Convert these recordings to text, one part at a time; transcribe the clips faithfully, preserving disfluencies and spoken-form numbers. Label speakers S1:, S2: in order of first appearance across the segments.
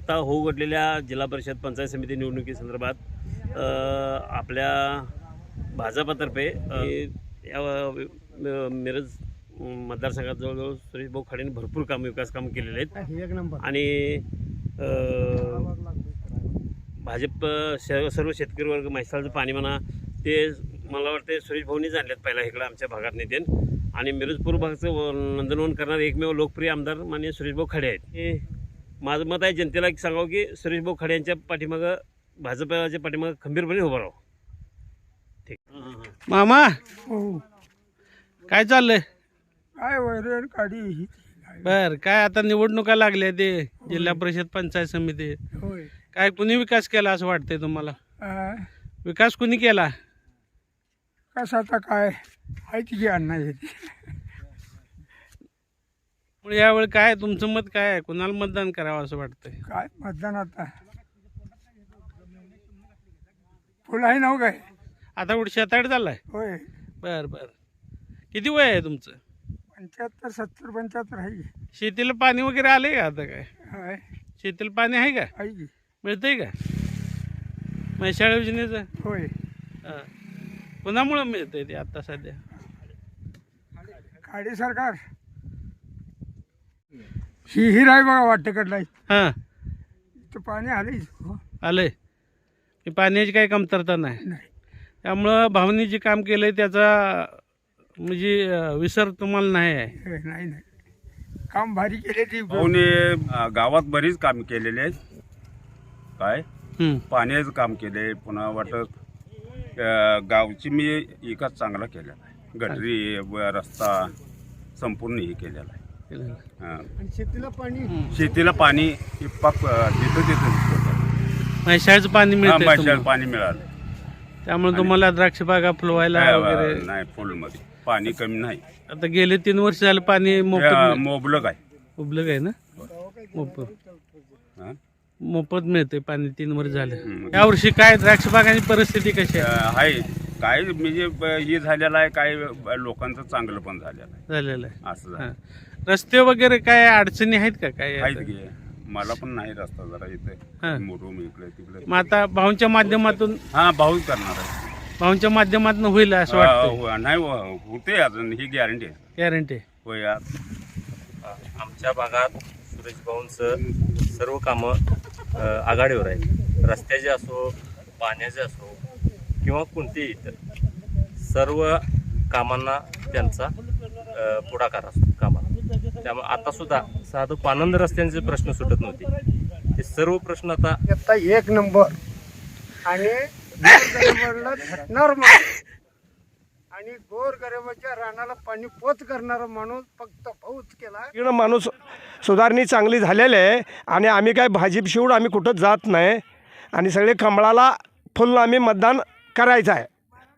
S1: आता होऊ घडलेल्या जिल्हा परिषद पंचायत समिती निवडणुकीसंदर्भात आपल्या भाजपतर्फे या मिरज मतदारसंघात जवळजवळ सुरेश भाऊ खाडेंनी भरपूर काम विकास काम केलेले आहेत आणि भाजप सर्व शेतकरी वर्ग म्हैसाळचं पाणी म्हणा ते मला वाटते सुरेश भाऊंनीच आणलेत पहिला इकडं आमच्या भागात नेते आणि मिरज पूर्व भागाचं नंदनवन करणारे एकमेव लोकप्रिय आमदार माननीय सुरेश भाऊ खाडे आहेत. हे माझं मत आहे जनतेला सांगावं की सुरेश भाऊ खाडे यांच्या पाठीमागं भाजपच्या पाठीमागं खंबीरपणे उभं राहावं. ठीक
S2: मामा
S3: हो
S2: काय चाललंय?
S3: काय वैरण काढी
S2: बर काय आता निवडणुका लागल्या ते जिल्हा परिषद पंचायत समिती
S3: होय.
S2: काय कुणी विकास केला असं वाटतंय तुम्हाला?
S3: आ,
S2: विकास कुणी केला?
S3: कसं आता काय आहे की अण्णा येते
S2: मग यावेळी काय तुमचं मत काय आहे? कुणाला मतदान करावं असं वाटतंय?
S3: काय मतदान आता फुल आहे नाव काय
S2: आता कुठे शेताड चाललाय?
S3: होय.
S2: बर बर किती वय आहे तुमचं?
S3: पंच्याहत्तर सत्तर पंच्याहत्तर आहे.
S2: शेतीला पाणी वगैरे आलंय का आता? काय
S3: आहे
S2: शेतीला पाणी आहे का?
S3: आहे की
S2: मिळतंय का म्हैसाळ योजनेचं?
S3: होय.
S2: हां कुणामुळं मिळतंय ते आता सध्या?
S3: खाडे सरकार ही हिर आहे बघा वाटेकडला
S2: हां
S3: तर पाणी आलंय
S2: आलंय की पाण्याची काही कमतरता नाही.
S3: नाही.
S2: त्यामुळं भावनी जे काम केलंय त्याचा म्हणजे अं, विसर तुम्हाला नाही आहे?
S3: हे, नाही नाही काम भारी केले ती
S4: भाऊने गावात बरीच काम केलेले आहेत. काय
S2: हं.
S4: पाण्याचं काम केले पुन्हा वाटत गावची मी एकाच चांगला केलेला आहे. गटरी व रस्ता संपूर्ण हे केलेला आहे. हां.
S3: शेतीला पाणी
S4: शेतीला पाणी हे पाक तिथं तिथं
S2: म्हैसाळचं पाणी मिळतंय
S4: माशाला
S2: तुम्हाला?
S4: पाणी मिळालं.
S2: त्यामुळे तुम्हाला द्राक्ष बागा फुलवायला वगैरे
S4: नाही फुलमध्ये पाणी कमी नाही.
S2: आता गेले तीन वर्ष झालं पाणी मोफत मिळ-
S4: मोबलक आहे.
S2: उपलब्ध आहे ना? मोफत
S4: हां.
S2: मोफत मिळते पाणी तीन वर्ष झाले.
S4: हं.
S2: यावर्षी काय द्राक्ष बागांची परिस्थिती कशी आहे?
S4: अं, आहे काय म्हणजे ब- हे झालेलं आहे काय लोकांचं चांगलं पण झालेलं आहे
S2: झालेलं आहे.
S4: असं झालं.
S2: हां. रस्ते वगैरे काय अडचणी आहेत का काय?
S4: आहेत की मला पण नाही रस्ता जरा
S2: हां.
S4: इथे मुरुम इकडे तिकडे.
S2: मग आता भाऊंच्या माध्यमातून
S4: हा भाऊ करणार आहे.
S2: भाऊंच्या माध्यमातून होईल असं
S4: हा,
S2: वाटतं?
S4: हो, नाही हो, होते अजून ही गॅरंटी आहे.
S2: गॅरंटी
S4: हो यार
S1: आमच्या भागात सुरेश भाऊंचं सर्व कामं अ, आघाडीवर आहे. रस्त्याचे असो पाण्याचे असो किंवा कोणतेही इतर सर्व कामांना त्यांचा अ, पुढाकार असतो कामाला. त्यामुळे आता सुद्धा साधं पानंद रस्त्यांचे प्रश्न सुटत नव्हते ते सर्व प्रश्न आता
S3: आता एक नंबर आणि गोरगरिबाला झटणार माणूस आणि गोरगरिबाच्या रानाला पाणी पोच करणारा माणूस फक्त भाऊच केला.
S5: इकडं माणूस सुधारणी चांगली झालेली आहे आणि आम्ही काय भाजीप शिवड आम्ही कुठं जात नाही आणि सगळे कमळाला फुल आम्ही मतदान करायचं आहे.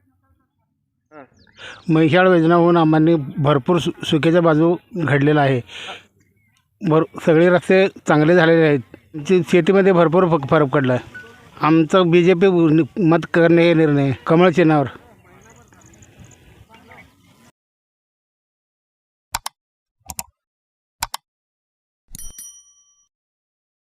S6: म्हैसाळ योजना होऊन आम्हाला भरपूर सु सुखेच्या बाजू घडलेला आहे. भर सगळे रस्ते चांगले झालेले आहेत. जे शेतीमध्ये भरपूर फ फरक पडला आहे. आमचं बी जे पी मत करणे हे निर्णय कमळ चिन्हावर.